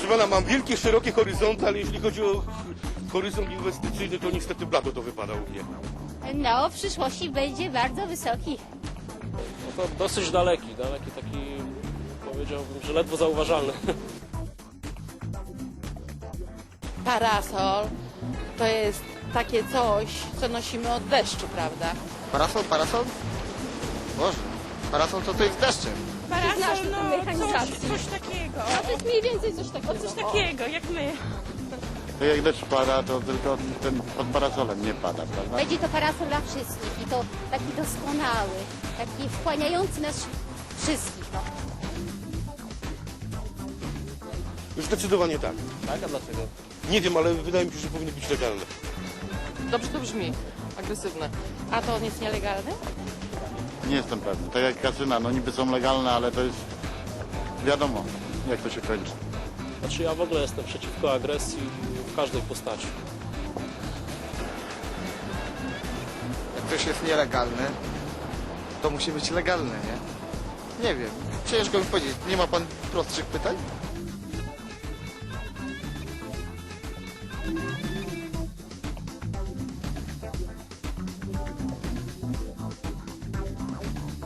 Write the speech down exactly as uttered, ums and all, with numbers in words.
Proszę pana, mam wielkie, szerokie horyzonty, ale jeśli chodzi o horyzont inwestycyjny, to niestety blado to wypada u mnie. No, w przyszłości będzie bardzo wysoki. No to dosyć daleki, daleki taki, powiedziałbym, że ledwo zauważalny. Parasol to jest takie coś, co nosimy od deszczu, prawda? Parasol, parasol? Boże, parasol to to jest deszczem. Znasz Parasol, no coś, mechanizacji. coś takiego. No to jest mniej więcej coś takiego. O, coś takiego, jak my. To jak deszcz pada, to tylko ten pod parasolem nie pada, prawda? Będzie to parasol dla wszystkich i to taki doskonały, taki wchłaniający nas wszystkich. No. Zdecydowanie tak. Tak, a dlaczego? Nie wiem, ale wydaje mi się, że powinny być legalne. Dobrze to brzmi, agresywne. A to on jest nielegalny? Nie jestem pewny. Tak jak kasyna, no niby są legalne, ale to jest wiadomo, jak to się kończy. Znaczy ja w ogóle jestem przeciwko agresji w każdej postaci. Jak coś jest nielegalne, to musi być legalne, nie? Nie wiem, ciężko mi powiedzieć. Nie ma pan prostszych pytań?